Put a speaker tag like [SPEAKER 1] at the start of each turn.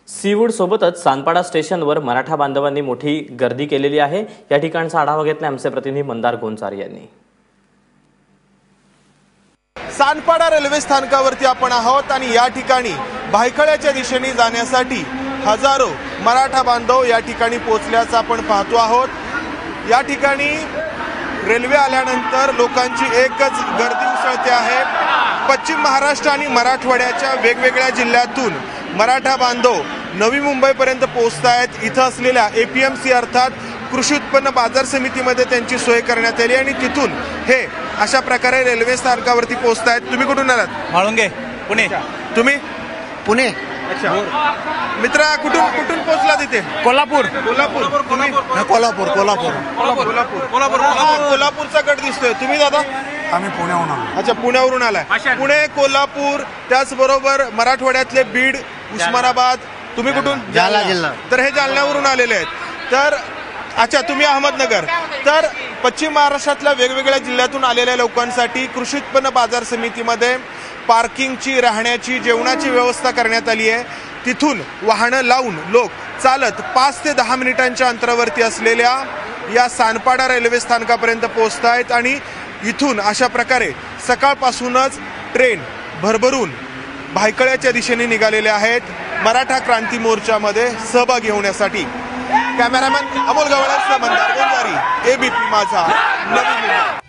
[SPEAKER 1] Seaweed सोबतच सानपाडा स्टेशनवर मराठा बांधवांनी मोठी गर्दी केलेली आहे। या ठिकाणचा आढावा घेतला आमचे प्रतिनिधी मंदार गोंचार यांनी।
[SPEAKER 2] सानपाडा रेल्वे स्थानकावरती आपण आहोत आणि या ठिकाणी भायखळ्याच्या दिशेने जाण्यासाठी हजारो मराठा बांधव या ठिकाणी पोहोचल्याचं आपण पाहतो आहोत। या ठिकाणी रेल्वे आल्यानंतर लोकांची एकच गर्दी उसळते आहे। पश्चिम महाराष्ट्र आणि मराठवाड्याच्या वेगवेगळ्या जिल्ह्यातून मराठा बांधव नवी मुंबईपर्यंत पोहोचतायत। इथं असलेल्या एपीएमसी अर्थात कृषी उत्पन्न बाजार समितीमध्ये त्यांची सोय करण्यात आली आणि तिथून हे अशा प्रकारे रेल्वे स्थानकावरती पोहोचतायत। तुम्ही कुठून आलात?
[SPEAKER 3] म्हाळुंगे, पुणे।
[SPEAKER 2] तुम्ही?
[SPEAKER 3] पुणे।
[SPEAKER 2] अच्छा, मित्रा कुठून पोहोचला तिथे?
[SPEAKER 3] कोल्हापूर।
[SPEAKER 2] कोल्हापूर। तुम्ही?
[SPEAKER 3] कोल्हापूर कोल्हापूर
[SPEAKER 2] कोल्हापूर। कोल्हापूरचा गट दिसतोय। तुम्ही दादा?
[SPEAKER 3] आम्ही पुण्याहून आलो।
[SPEAKER 2] अच्छा, पुण्यावरून आलाय। पुणे, कोल्हापूर, त्याचबरोबर मराठवाड्यातले बीड, उस्मानाबाद। तुम्ही कुठून?
[SPEAKER 3] जालना जिल्हा।
[SPEAKER 2] तर हे जालन्यावरून आलेले आहेत। तर अच्छा, तुम्ही अहमदनगर। तर पश्चिम महाराष्ट्रातल्या वेगवेगळ्या जिल्ह्यातून आलेल्या लोकांसाठी कृषी उत्पन्न बाजार समितीमध्ये पार्किंगची, राहण्याची, जेवणाची व्यवस्था करण्यात आली आहे। तिथून वाहनं लावून लोक चालत 5 ते 10 मिनिटांच्या अंतरावरती असलेल्या या सानपाडा रेल्वे स्थानकापर्यंत पोहोचतायत आणि इथून अशा प्रकारे सकाळपासूनच ट्रेन भरभरून भायखळ्याच्या दिशेने निघालेले आहेत मराठा क्रांती मोर्चामध्ये सहभागी होण्यासाठी। कॅमेरामॅन अमोल गवळ्यासह मंदार गोंचारी, एबीपी माझा, नवी मुंबई।